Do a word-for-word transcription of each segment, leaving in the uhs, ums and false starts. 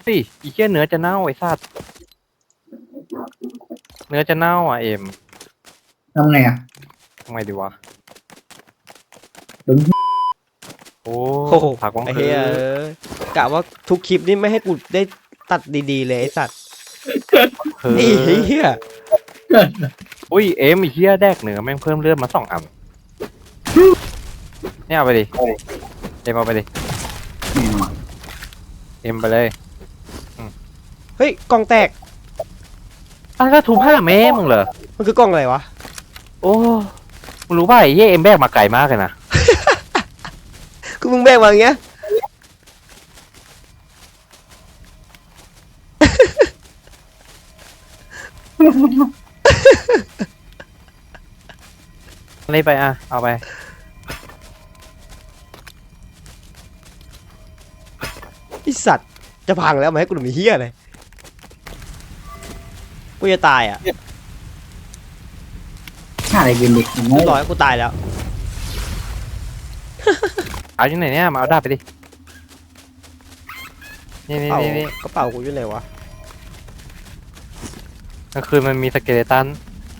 สิอีเหี้ยเนื้อจะเน่าไอ้สัตว์เนื้อจะเน่าอ่ะเอ็มทำไงอ่ะทำไงดีวะดึงโอ้โอ้โหผักวังไอ้คืเหี้ยอเอ้ยกะว่าทุกคลิปนี่ไม่ให้กูได้ตัดดีๆเลยไอ้สัตว์เฮ้ไอ้ยเหี้ยอุ้ยเอ็มไอ้เหี้ยแดกเนื้อแม่งเพิ่มเลือดมาสองอันเนี่ยเอาไปดิเอ็มเอาไปดิแน่นอนเอ็มไปเลยเฮ้ยกล่องแตกอ้าวแล้วทุบผ้าแม่มึงเหรอมันคือกล่องอะไรวะโอ้มึงรู้ป่ะไอ้เหี้ยเอ็มแบกมาไกลมากเลยนะคือมึงแบกมาอย่างเงี้ยนี่ไปอ่ะเอาไปไอ้สัตว์จะพังแล้วมาให้กูหนุ่มเหี้ยเลยกูจะตายอ่ะฆ่าอะไรกินดิอย่างเรีงี้ยบร้อยกูตายแล้วเอาอยู่ไหนเนี่ยมาเอาดาบไปดินี่นี่เป๋านี่นี่กระเป๋ากูอยู่ไหนวะกลางคืนมันมีสเกเลตัน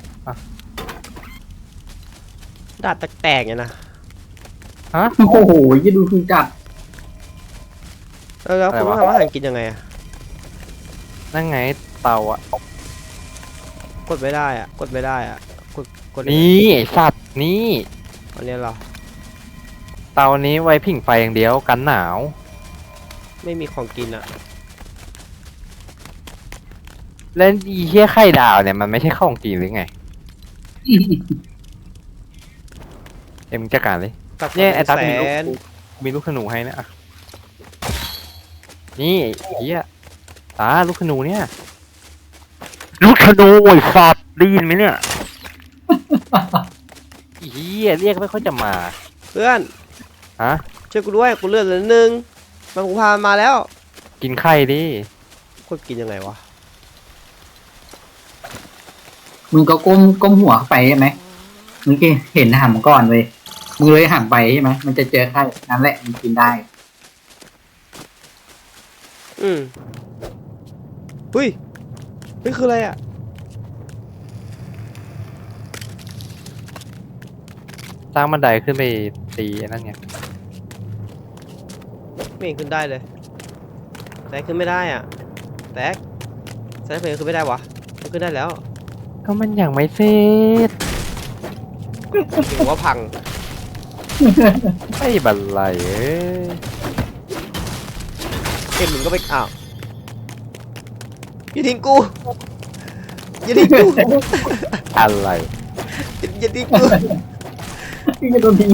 ดาบแตกๆเนี่ยนะฮะโอ้โหยี่ดูคือจัดแล้วแล้วอะไรคุณวะทำอาหารกินยังไงอ่ะนั่นไงเตาอ่ะกดไม่ได้อ่ะกดไม่ได้อ่ะกดกดนี่ไอ้สัตว์นี่อันนี้เหรอเตานี้ไว้ผิงไฟอย่างเดียวกันหนาวไม่มีของกินอ่ะแล้วอีเหี้ยไข่ดาวเนี่ยมันไม่ใช่ของกินหรือไงเอ็มจัดการเลยกับเนี่ยไอ้ตาแสมีลูกนมีลูกขนูให้นะอ่ะนี่ไอ้เหี้ยตาลูกขนูเนี่ยลูกขนูโวยฟอดได้ยินไหมเนี่ยไอ้เหี้ยเรียกไม่ค่อยจะมาเพื่อนฮะช่วยกูด้วยกูเลือดเหลือนิดนึงมันกูพามันมาแล้วกินไข่ดิกดกินยังไงวะมึงก็ก้มก้มหัวเข้าไปใช่ไหมมึงก็เห็นหันก่อนเลยมึงเลยหันไปใช่ไหมมันจะเจอไข่นั่นแหละมันกินได้อืมเฮ้ยเฮ้ยคืออะไรอ่ะสร้างบันไดขึ้นไปตีไอ้นั่นไงไม่เห็นขึ้นได้เลยแตกขึ้นไม่ได้อ่ะแตกแตกเพลงขึ้นไม่ได้วะมันขึ้นได้แล้วก็มันยังไม่เสร็จถือว่าพังไอ้บันไลเอ้ยเอ็มมึงก็ไปอ้าวอย่าทิ้งกูอย่าทิ้งกูอะไรอย่าอย่าทิ้งกูพี่ก็โดนทิ้ง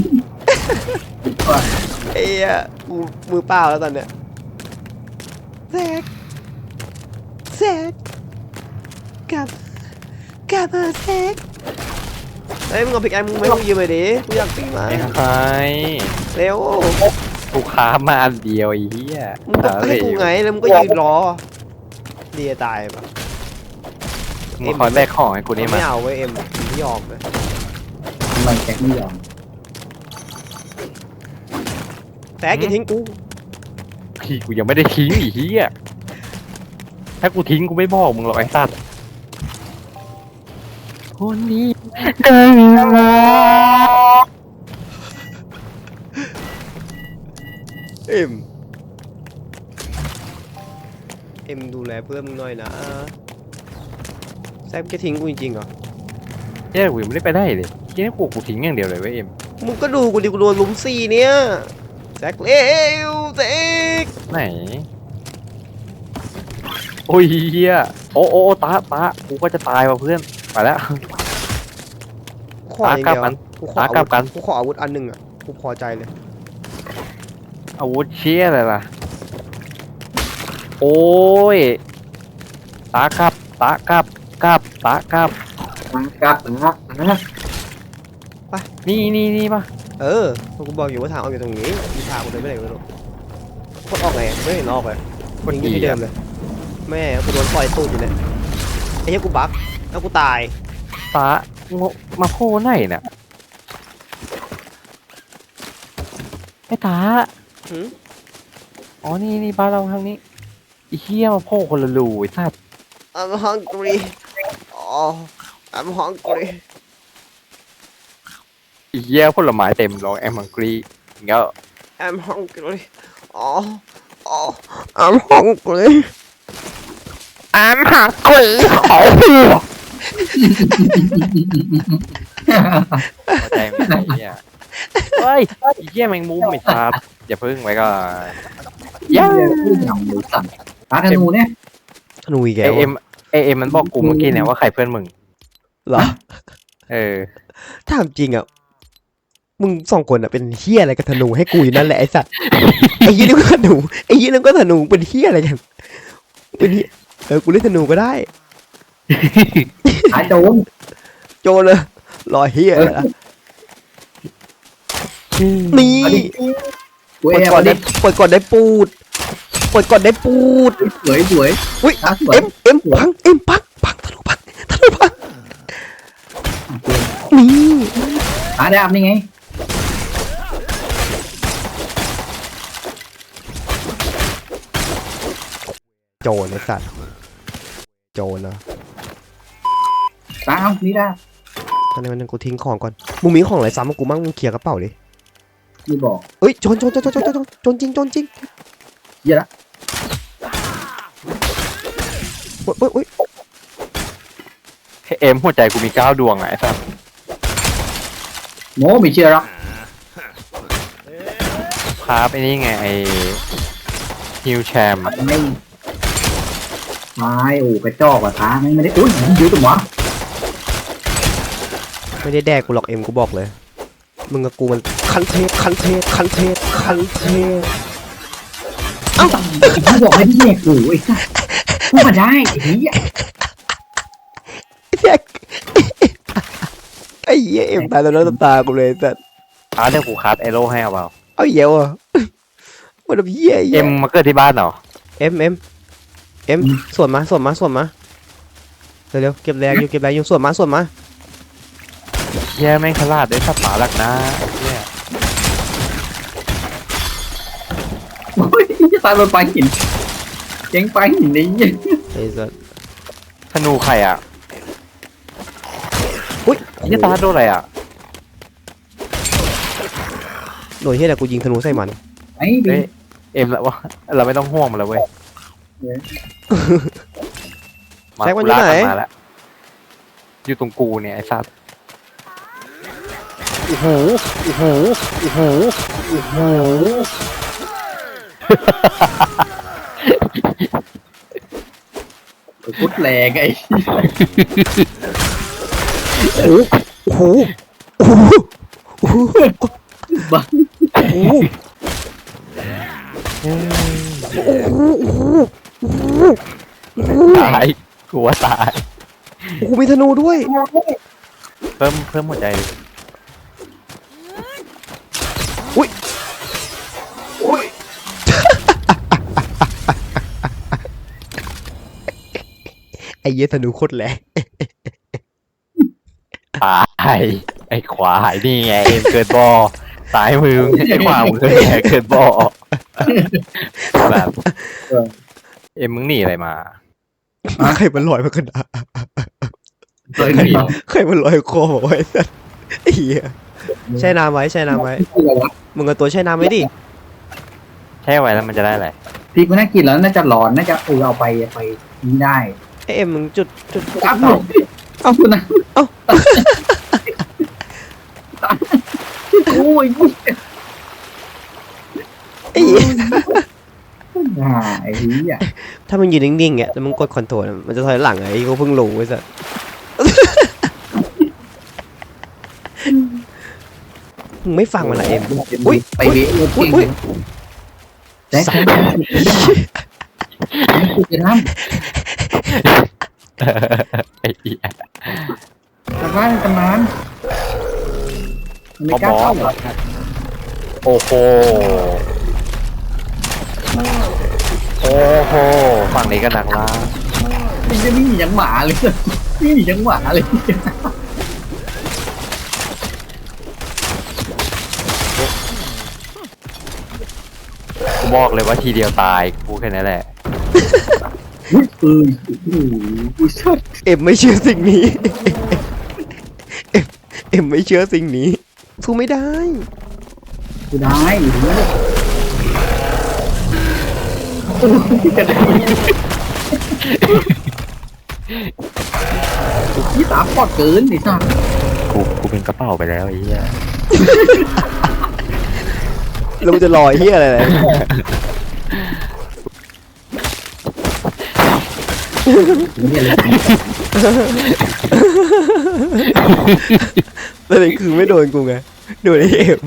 ไอ้เหี้ยกูมือเปล่าแล้วตอนเนี้ยแซกแซกกลับกลับมาแซกเฮ้ยมึงเอาพิกแอมมึงไม่ต้องยืมเลยดิกูอยากตีมาไม่ใครเร็วกูค้ามาอันเดียวไอ้เหี้ยมึงก็ให้กูไงแล้วมึงก็ยืนรอดีจะตายปะมึงคอยแบกของให้กูนี่มาไม่เอาเว้ยเอ็มไม่ยอมเลยทำไมแจ็คไม่ยอมแซกอย่าทิ้งกูพี่กูยังไม่ได้ทิ้งไอ้เหี้ยถ้ากูทิ้งกูไม่บอกมึงหรอกไอ้สัตว์คนนี้ได้มาเอ็มเอ็มดูแลเพื่อนมึงหน่อยนะแซกจะทิ้งกูจริงๆเหรอเหี้ยกูยังไม่ได้ไปได้เลยเหี้ยกูกูทิ้งอย่างเดียวเลยเว้ยเอ็มมึงก็ดูกูดิกูโดนลุมสี่เนี่ยแซกเร็วแซกไหนโอ้ยเหี้ยโอ้โอ้โอ้ตาตากูก็จะตายว่ะเพื่อนไปแล้วขออย่างเดียวตากลับกันกูขออาตากลัวุบธกันกูขออาวุธอันหนึ่งอ่ะกูพอใจเลยอาวุธเชี่ยอะไรล่ะโอ้ยตากลับตากลับกลับตากลับครับนะนะนี่นี่นี่ปะเออกูบอกอยู่ว่าทางออกอยู่ตรงนี้มีทางกูเดินไม่ได้ไม่รู้กดออกไงไม่เห็นออกเลยมันยิงที่เดิมเลยแม่กูโดนปล่อยตูดอยู่เนี่ยไอ้เหี้ยกูบั๊กแล้วกูตายตาโงมาโคไหนเนี่ยไอ้ตาหืมอ๋อนี่นี่บ้านเราทางนี้ไอ้เหี้ยมาโผล่คนละรูไอ้สัส I'm hungry oh I'm hungry ไอ้เหี้ยผลไม้เต็มร้องแอมมังกรีอย่างเงี้ย I'm hungry oh oh I'm hungry I'm hungry ขอหัวเข้าใจไหมไอ้เหี้ยเฮ้ยไอ้เหี้ยแมงมุมไอ้สัสอย่าพึ่งไว้ก่อนเหี้ยพูดอย่างหมูสัตว์ปลาธนูเนี่ยธนูอีกไอแล้วเอ็มไอเอ็มมันบอกกูเมื่อกี้เนี่ยว่าใครเพื่อนมึงเหรอเออถามจริงอ่ะมึงสองคนอ่ะเป็นเฮียอะไรกับธนูให้กูอยู่นั่นแหละไอ้สัตว์ไอ้ยี่นี่ก็ธนูไอ้ยี่นั่นก็ธนูเป็นเฮียอะไรกันเป็นเหี้ยเออกูเล่นธนูก็ได้หาโจรโจรเลยรอเฮียอะไรล่ะนี่เอาดิกูปเอล่อยฟก่อนเอาดิได้ปล่อยก่อนได้ปูดปล่อยก่อนได้ปูดสวยสวยอุ้ยตาสวยเอ็มเอ็มพังเอ็มพังพังธนูพังธนูพังนี่หาดาบนี่ไงโจรไอ้สัตว์โจรนะตาเอานี่ดาบตอนนี้มันงกูทิ้งของก่อนมึงมีของอะไรซ้ำกับกูมั่งมึงเคลียร์กระเป๋าดินี่บอกเอ้ยโจรโจรโจรโจรโจรโจรโจรจริงโจรจริงเหี้ยละโอ้ยโอ้ยโอ้ยเอ็มหัวใจกูมีเก้าดวงไงไอ้สัสโง่ไม่เชื่อหรอกครับไอ้นี่ไงไอฮิวแชมไม่ไม่โอ้กระจอกว่ะตาไม่ไม่ได้อุ้ยยืดตัวหวะไม่ได้แดกกูหรอกเอ็มกูบอกเลยมึงกับกูมันคันเทพคันเทพคันเทพคันเทพเอ้ากูบอกให้พี่แยกกูไอ้สัสพูดมาได้ไอ้เหี้ยแดกไอ้เหี้ยเอ็มตายแล้วน้ำตากูเลยแต่อาเดี๋ยวกูคัดไอโร่ให้เอาเปล่าเอาเหี้ยวอ่ะมันแบบเหี้ยเอ็เหี้ยมมาเกิดที่บ้านเหรอเอ็มเอ็มเอ็มส่วนมาส่วนมาส่วนมาเร็วๆเก็บแรงอยู่เก็บแรงอยู่ส่วนมาส่วนมาแย่แม่งฉลาดได้สัตว์ป่าหลักนะไอ้เหี้ยโอ้ยจะตายโดนปลาหินเจ๊งปลาหินนี่ไอ้สัสธนูใครอ่ะอุ้ยไอ้เหี้ยตาโดนอะไรอ่ะโดยที่แต่กูยิงธนูใส่มันไอ้ดิเฮ้ยเอ็มละวะเราไม่ต้องห่วงมันแล้วเว้ยมาแซกมันกูอยู่ลากไหนมันมาแล้วอยู่ตรงกูเนี่ยไอ้สัตว์โอ้โหโอ้โหโอ้โหโอ้โหพุดแรงไอ้โอ้โหโอ้โหโอ้โหบ้าโอ้โหโอ้โหโอ้โหโอ้โหตายกูว่าตายโอ้โหมีธนูด้วยเพิ่มเพิ่มหัวใจดิอุ้ยอุ้ยไอ้เหี้ยธนูโคตรแรงตายไอ้ควายนี่ไงเอ็มเกิดบ่อสายมือไอ้ขวามือไงเกิดบ่อแบบเอ็มมึงหนีอะไรมาใครมันลอยมาขนาดเคยหนีใครมันลอยคอไว้สัสไอ้เหี้ยแช่น้ำไว้แช่น้ำไว้มึงเอาตัวแช่น้ำไว้ดิแช่ไว้แล้วมันจะได้อะไรพี่กูน่ากินแล้วน่าจะร้อนน่าจะเออเอาไปไปนี่ได้ไอ้เอ็มมึงจุดจุดครับผมเอาคุณนะโอ้ยไอ้เหี้ยอ่าไอ้เหี้ยถ้ามึงยืนนิ่งๆเนี่ยแล้วมึงกดคอนโทรลมันจะถอยหลังไอ้กูเพิ่งรู้ไว้สัสมึงไม่ฟังมันเหรอเอ็ม อุ๊ยไปเวะอุ้ยอุ้ยแจ๊คแจ๊คกูจะน้ำไอ้เหี้ยทำบ้านทำบ้านไม่กล้าเข้าหรอโอ้โหโอ้โหฝั่งนี้ก็หนักละมันจะไม่มียังหมาเลยไม่มียังหมาเลยกูบอกเลยว่าทีเดียวตายกูแค่นั้นแหละอุ้ยปืนโอ้โหอุ้ยชัดเอ็มไม่เชื่อสิ่งนี้ เอ็มเอ็มไม่เชื่อสิ่งนี้สู้ไม่ได้กูได้อยู่นี่ยี่สามปอดเกินไอ้สัสกูกูเป็นกระเป๋าไปแล้วไอ้เหี้ยแล้วมันจะลอยเฮียอะไรเลยแล้วนี่คือไม่โดนกูไงโดนไอเอ็ม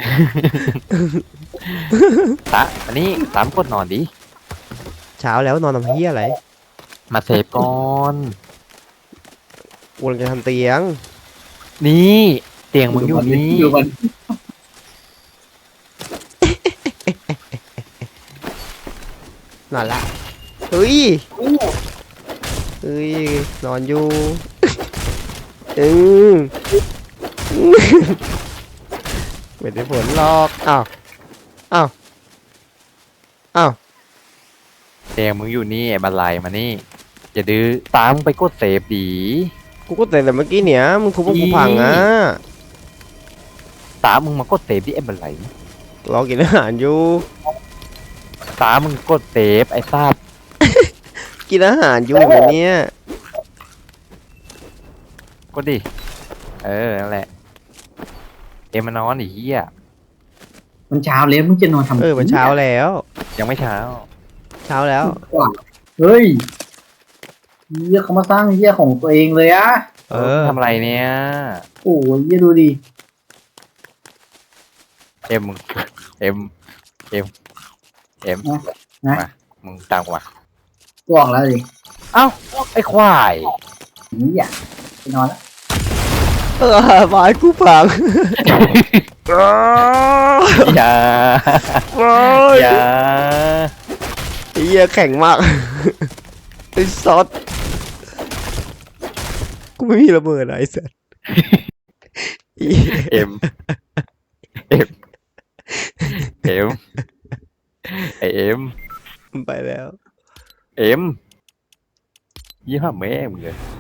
ตะอันนี้ตามกดนอนดิเช้าแล้วนอนทำเฮียอะไรมาเซฟก่อนกูกำลังจะทำเตียงนี่เตียงมึงอยู่นี่ดูมันนอนละเฮ้ยเฮ้ยนอนอยู่อืมไม่ได้ผลหรอกอ้าวอ้าวอ้าวเตียงมึงอยู่นี่ไอ้บันไลมานี่อย่าดื้อตามไปกดเซฟดีกูก็แต่แต่เมื่อกี้เนี่ยมึงทุบพวกกูพังอ่ะตามมึงมากดเซฟดิไอ้บันไลรอกินอาหารอยู่ตามมึงกดเซฟไอ้ทราบกินอาหารอยู่เหรอเนี่ยกดดิเออนั่นแหละเอ็มมานอนไอ้เหี้ยมันเช้าแล้วมึงจะนอนทำเออมันเช้าแล้วยังไม่เช้าเช้าแล้วเฮ้ยเยี่ยเขามาสร้างเยี่ยของตัวเองเลยอะเออทำอะไรเนี่ยโอ้ยเยี่ยดูดิเอ็มมึงเอ็มเอ็มเอ็มมามึงตามกูมากูออกแล้วดิเอ้าไอ้ควายนี่อยากไปนอนแล้วเออไม้กูพังอย่าโอ้ยอย่าไอ้เหี้ยแข็งมาก ไอ้ซอสกูไม่มีระเบิดอะไอ้สัสอีเอ็มเอ็มเอ็มไอเอ็มมันไปแล้วเอ็มยี่ห้อแม่มึงเลย